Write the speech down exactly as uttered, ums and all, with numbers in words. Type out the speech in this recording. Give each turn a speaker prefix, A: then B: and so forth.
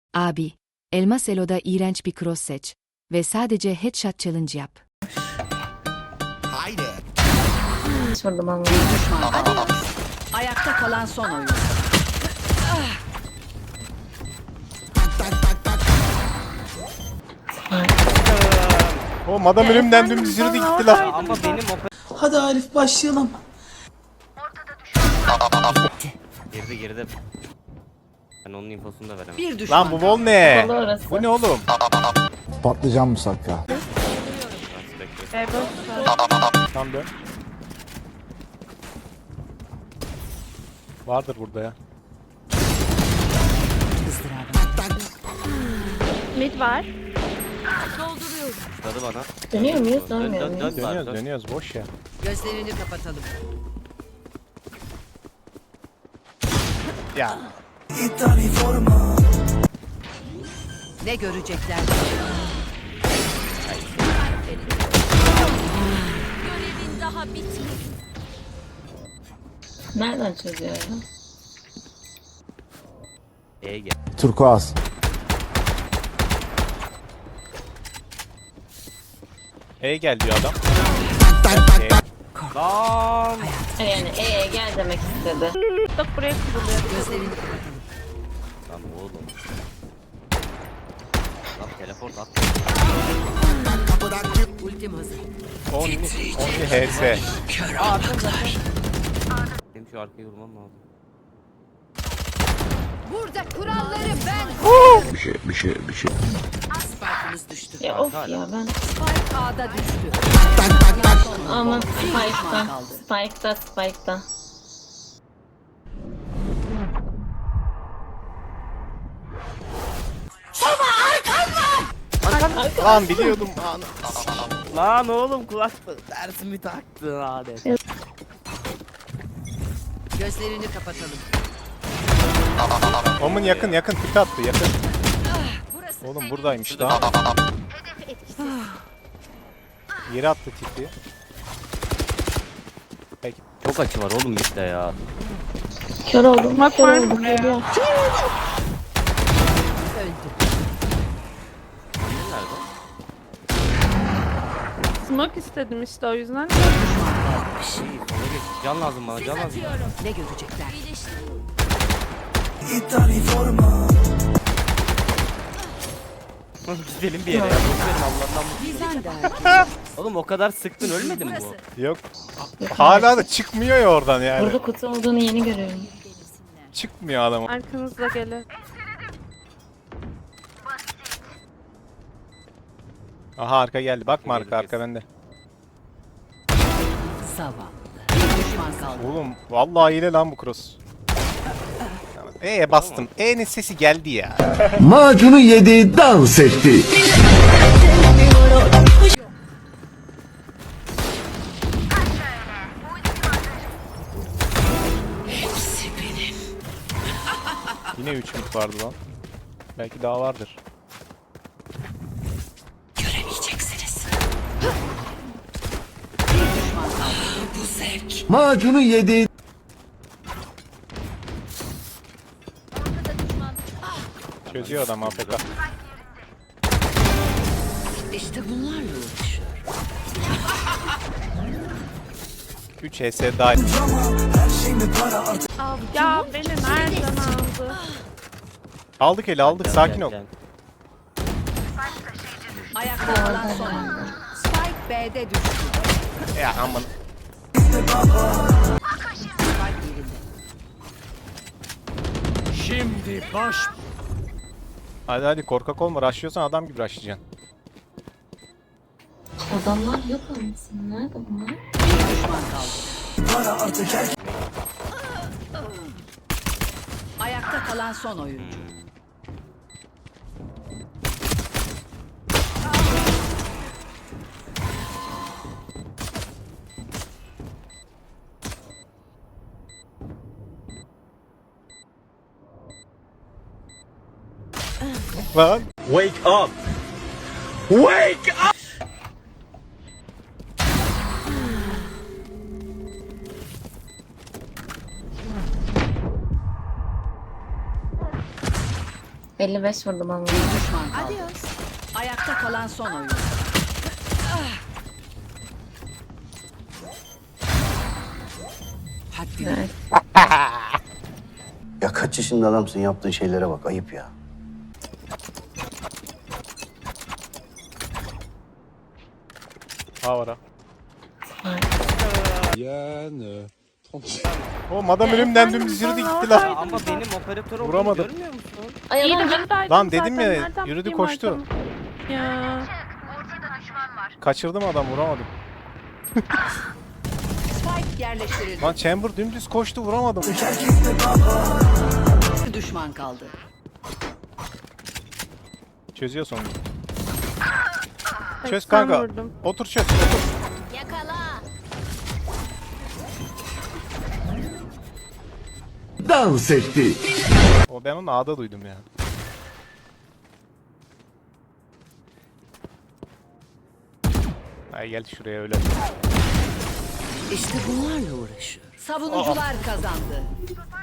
A: Abi, Elmas Elo'da iğrenç bir cross seç ve sadece headshot challenge yap.
B: Haydi.
C: Vurdum ama.
D: Düşman kaldı. Ayakta kalan son oyun.
B: Tak tak tak.
E: Oğlum adam önümden dümdüz yürüdü gitti lan.
F: Ama benim o
G: Hadi Arif başlayalım.
F: geride geride. Ben onun infosunu da veremem.
D: Bir düşman
E: Lan bu bol ne?
C: Kapalı orası.
E: Bu ne oğlum?
H: Patlıcan musakka.
E: Tam dön. Vardır burada ya.
I: Mid var.
F: Dadı bana.
C: Dönüyor muyuz?
F: Dön,
C: Dönmüyor
F: dön,
C: muyuz?
F: dön,
E: Dönüyoruz
F: dön.
E: dönüyoruz boş ya.
D: Gözlerini kapatalım.
E: Ya
D: Ne görecekler?
I: Görevin daha bitmedi.
C: Nereden çözüyor ya?
F: E gel.
H: Turkuaz.
E: E gel diyor adam.
F: Lan.
C: Yani ee gel demek istedi.
I: Bak buraya kuruluyor.
D: Gözlerini kapatalım.
F: Lan oğlum. Lan teleport at.
B: Kapıdan çık.
D: Ultim hazır.
E: Only, only H S.
F: Benim şu arkayı vurmam lazım.
D: Burada kuralları ben.
H: Bir şey bir şey bir şey.
D: Spike'ımız düştü.
C: Ya of ya ben.
D: Spike A'da düştü.
B: Tak tak tak.
C: Aman
D: düşman
C: Spike'da.
D: kaldı.
C: Spike'da Spike'da.
E: Lan biliyordum. Lan.
F: Lan oğlum kulaklık dersimi taktın adet.
D: Gözlerini kapatalım.
E: Omun yakın yakın pik attı yakın. Oğlum buradaymış daha. Yere attı tipi. Peki.
F: Çok açı var oğlum işte ya.
C: Kör oldum.
I: Bak
C: Kör
I: var
C: oldum.
I: buraya.
C: Geliyor.
D: Öldü.
F: Nerede?
I: Smoke istedim işte o yüzden.
F: İyi sola geç. Can lazım bana can lazım.
D: Ne görecekler?
F: Gidelim bir yere ya. Boşverin Allah'tan bu.
D: Bizden de.
F: Oğlum o kadar sıktın ölmedi mi bu?
E: Yok. Hala da çıkmıyor ya oradan yani.
C: Burada kutu olduğunu yeni görüyorum.
E: Çıkmıyor adam.
I: Arkanızda gelir.
E: Aha arka geldi. Bakma arka arka bende.
D: Zavallı. Bir düşman kaldı.
E: Oğlum vallahi hile lan bu cross. E'ye bastım. E'nin sesi geldi ya.
H: Macunu yedi dans etti.
E: Yine üç mid vardı lan. Belki daha vardır.
H: Macunu yedi.
E: Çözüyor adam A F K.
D: İşte bunlarla uğraşıyor.
E: üç H S daha.
I: Ya beni nereden aldı?
E: Aldık eli aldık sakin ol.
F: Gel, gel.
D: Ayakta kalan son oyun. Spike B'de düştü.
E: Ya aman.
D: Spike yerinde.
F: Şimdi baş.
E: Hadi hadi korkak olma. Rushlıyorsan adam gibi rushlayacaksın.
C: Adamlar yok olmasın. Nerede bunlar?
D: Bir düşman kaldı. Ayakta kalan son oyuncu.
E: Lan.
F: Wake up. Wake up.
C: elli beş vurdum ama.
D: Bir düşman kaldı. Ayakta kalan son oyun. Haddini
C: Evet.
J: Ya kaç yaşında adamsın, yaptığın şeylere bak, ayıp ya.
E: Ha var ha.
B: Yani.
E: O adam önümden dümdüz yürüdü gitti lan.
F: Ya ama benim operatör olduğumu
E: Vuramadım.
F: görmüyor musun?
C: Ay
I: İyi de
C: adam
I: buradaydım
E: Lan dedim
I: zaten.
E: ya,
I: Nereden
E: yürüdü,
I: bileyim
E: koştu.
I: arkamı? Ya.
E: Kaçırdım adam, vuramadım.
D: Spike yerleştirildi.
E: Lan Chamber dümdüz koştu, vuramadım.
D: Bir düşman kaldı.
E: Çözüyor sonunda. Çöz
I: seksen
E: kanka.
I: vurdum.
E: Otur çöz. Otur.
H: Dans etti.
E: O ben onu A'da duydum ya. Ay gel şuraya öyle.
D: İşte bunlarla uğraşıyor. Savunucular kazandı.